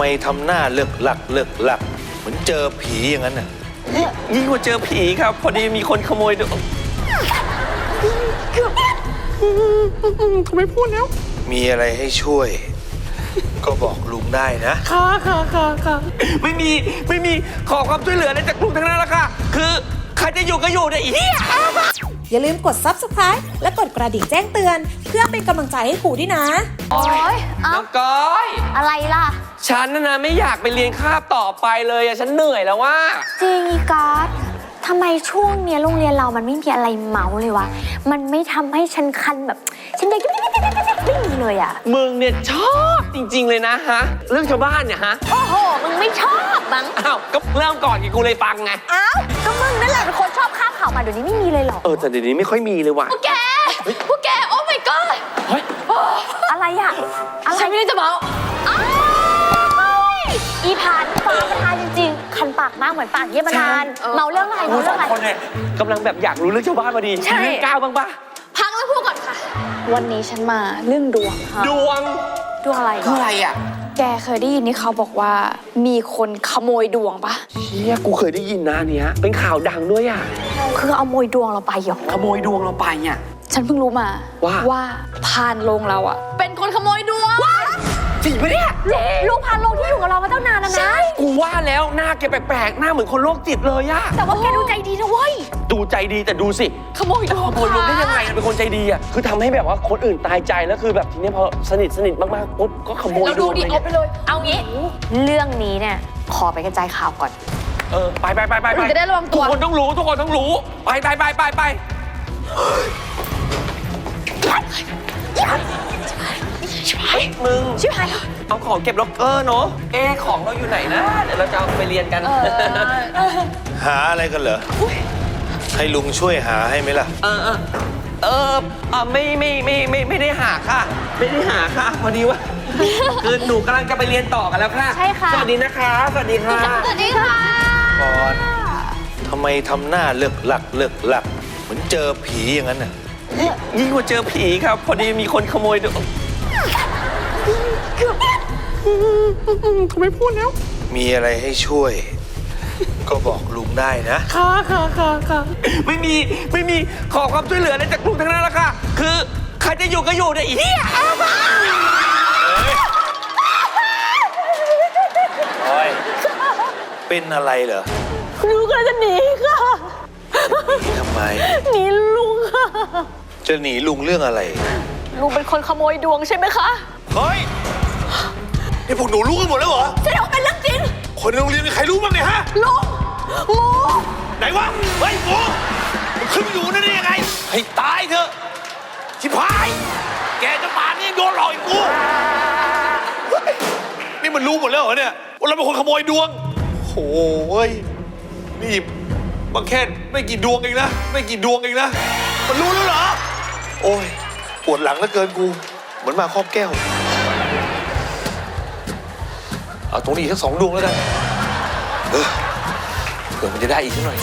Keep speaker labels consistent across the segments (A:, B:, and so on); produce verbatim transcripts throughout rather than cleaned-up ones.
A: มทำหน้าเลิกหลักเลิกหลักเหมือนเจอผีอย่างนั้นน่ะ
B: ยิ่งกว่าเจอผีครับพอดีมีคนขโมยดูทำไมพูดแล้ว
A: มีอะไรให้ช่วยก็บอกลุงได้นะ
B: ค่ะค่ะค่ะค่ะไม่มีไม่มีขอความช่วยเหลืออะไรจากลุงทั้งนั้นละค่ะคือใครจะอยู่ก็อยู่เนี่ยอี
C: อย่าลืมกด ซับสไครบ์ และกดกระดิ่งแจ้งเตือนเพื่อเป็นกำลังใจให้ครูด้วยนะ
D: โอ๊ย
B: น้องก้อย
D: อะไรล่ะ
B: ฉันน่ะนะไม่อยากไปเรียนคาบต่อไปเลยอะฉันเหนื่อยแล้วว่า
D: จริงอีกอดทำไมช่วงเนี้ยโรงเรียนเรามันไม่มีอะไรเมาเลยวะมันไม่ทำให้ฉันคันแบบฉันเด็กไม่มีเลยอะ
B: มึงเนี่ยชอบจริงๆเลยนะฮะเรื่องชาวบ้านเนี่ยฮะ
D: โอ้โหมึงไม่ชอบมั้ง
B: อ้าวก็เริ่มก่อนกูเลยฟังไง
D: อ้าวก็มึงนั่นแหละเป็นคนชอบข้ามข่าวมาเดี๋ยวนี้ไม่มีเลยหรอ
B: เออแต่เดี๋ยวนี้ไม่ค่อยมีเลยว่ะ
D: พวกแกพวกแกโอ้ my god
B: เฮ้ย
D: อะไรอะอะไร
E: ฉันไม่ได้จะเมา
D: อีพานฟ้าประทานจริงๆคันปากมากเหมือนปากเยี่ยมนานเมาเรื่องอะไรเมาเรื่องอะไร
B: คนเนี่ยกำลังแบบอยากรู้เรื่องชาวบ้านพอดีเรื่องก้าวบ้างปะ
E: พังแล้วพูดก่อนค่ะวันนี้ฉันมาเรื่องดวงค่ะ
B: ดวง
D: ดวงอะไร
B: คืออะไรอ่ะ
E: แกเคยได้ยินที่เขาบอกว่ามีคนขโมยดวงปะ
B: เชี่ยกูเคยได้ยินนะเนี้ยเป็นข่าวดังด้วยอ่ะ
D: คือเอาโมยดวงเราไปเหรอ
B: ขโมยดวงเราไปเนี่ย
E: ฉันเพิ่งรู้มา
B: ว่า
E: ว่าพานโรงเราอ่ะเป็นคนขโมยดวง
B: จริงปะเนี่ย
D: ลูกพานโรงที่อยู่กับเรามาตั้งนานแล้วนะ
B: กูว่าแล้วหน้าแกแปลกๆหน้าเหมือนคนโรคจิตเลยอะ
D: แต่ว่าแกดูใจดีนะเว้ย
B: ดูใจดีแต่ดูสิ
E: ขโมยดวง
B: ขโมยดวงได้ยังไงเป็นคนใจดีอะคือทำให้แบบว่าคนอื่นตายใจแล้วคือแบบทีนี้พอสนิทสนิทมากๆปุ๊บก็ขโมยดวง
E: เราดูดิเอาไปเลย
D: เอางี้เรื่องนี้เนี่ยขอไปกระจายข่าวก่อน
B: เออไปไปไปไป
E: จะได้ระวังตัว
B: ทุกคนต้องรู้ทุกคนต้องรู้ไปไปไปไปไปชิบหายมึง
D: ชิบหาย
B: เอาของเก็บล็อกเกอร์เนาะเอ๊ของเราอยู่ไหนนะเดี๋ยวเราจะเอาไปเรียนกัน
A: หาอะไรกันเหรอให้ลุงช่วยหาให้ไหมล่ะ
B: เออเออเออไม่ไม่ไม่ไม่ไม่ได้หาค่ะไม่ได้หาค่ะพอดีว่าคือหนูกำลังจะไปเรียนต่อกันแล้วค่ะ
D: ใช่ค่ะ
B: สวัสดีนะคะสวัสดีค่ะ
D: สวัสดีค่ะ
A: ก่อนทำไมทำหน้าเลิกหลักเลิกหลักเหมือนเจอผีอย่างนั้นน่ะ
B: ยิ่งกว่าเจอผีครับพอดีมีคนขโมยดูทำไมพูดแล้ว
A: มีอะไรให้ช่วยก็บอกลุงได้นะ
B: ค่ะค่ะค่ะค่ะไม่มีไม่มีขอความช่วยเหลืออะไรจากลุงทั้งนั้นละค่ะคือใครจะอยู่ก็อยู่เนี่ยอี
A: โอ้ยเป็นอะไรเหรอ
E: ลุงก็จะหนีค่ะ
A: จะหนีทำไม
E: หนีลุงค่ะ
A: จะหนีลุงเรื่องอะไร
E: ลุงเป็นคนขโมยดวงใช่ไหมคะ
A: เฮ้ยนี่พวกหนูรู้กันหมดแล้วเหรอ
E: ใช่ว่าเป็นเรื่องจริง
A: คนในโรงเรียนมีใครรู้บ้างเนี่ยฮะ
E: ลุงหมู
A: ไหนวะเฮ้ยหมูมันขึ้นมาอยู่นั่นได้ยังไงให้ตายเถอะชิบหายแกจะป่านนี้โดนหลอกอีกกูนี่มันรู้หมดแล้วเหรอเนี่ยว่าเราเป็นคนขโมยดวงโอ้ยนี่มันแค่ไม่กี่ดวงเองนะไม่กี่ดวงเองนะมันรู้แล้วเหรอโอ้ยปวดหลังเหลือเกินกูเหมือนมาครอบแก้วเอาตรงนี้อีกสักสองดวงแล้วกันเออเผื่อมันจะได้อีกสักหน่อย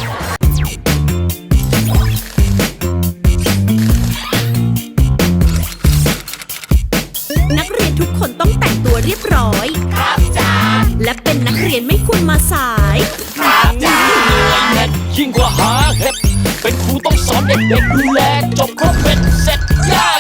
F: นักเรียนทุกคนต้องแต่งตัวเรียบร้อยครับจ้าและเป็นนักเรียนไม่ควรมาสายครับจ้า
G: ยิ่งกว่าหาเห็ดเป็นครูต้องสอนเด็กๆดูแลจบครบเป็นเสร็จย่า